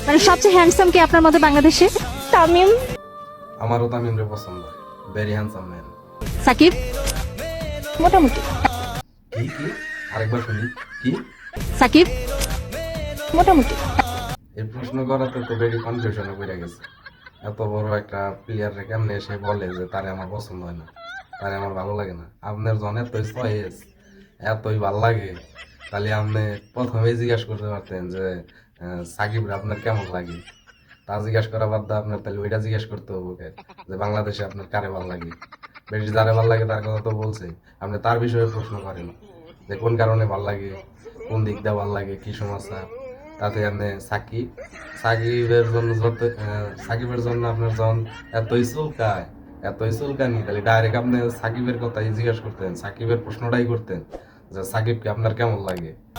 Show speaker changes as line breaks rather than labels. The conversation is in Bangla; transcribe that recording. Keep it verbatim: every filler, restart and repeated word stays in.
মানে সবচেয়ে হ্যান্ডসাম কে আপনার মতে বাংলাদেশে?
তামিম।
আমারও তামিমরে পছন্দ, ভেরি হ্যান্ডসাম ম্যান।
সাকিব?
মোটামুটি।
কি কি আরেকবার শুনি, কি?
সাকিব?
মোটামুটি।
এই প্রশ্ন করাতে তো ভেরি কনফিউশনে পড়ে গেছে। এত বড় একটা প্লেয়ার কেমনে এসে বলে যে তারে আমার পছন্দ হয় না, তারে আমার ভালো লাগে না। আপনার জন এতই চয়েস, এতই ভাল লাগে, তাহলে আপনি প্রথমেই জিজ্ঞাসা করতে পারতেন যে আহ, সাকিব আপনার কেমন লাগে। তা জিজ্ঞাসা করা বাদ দিয়ে আপনার তাহলে ওইটা জিজ্ঞাসা করতে হবে ওকে, যে বাংলাদেশে আপনার কারে ভাল লাগে। বেশি যারে ভাল লাগে তার কথা তো বলছে, আপনি তার বিষয়ে প্রশ্ন করেন যে কোন কারণে ভাল লাগে, কোন দিক দিয়ে ভাল লাগে, কি সমস্যা। তাতে আপনি সাকিব, সাকিবের জন্য যত আহ, সাকিবের জন্য আপনার যখন এতই চুলকায়, এতই চুলকানি, তাহলে ডাইরেক্ট আপনি সাকিবের কথাই জিজ্ঞাসা করতেন, সাকিবের প্রশ্নটাই করতেন যে সাকিবকে আপনার কেমন লাগে।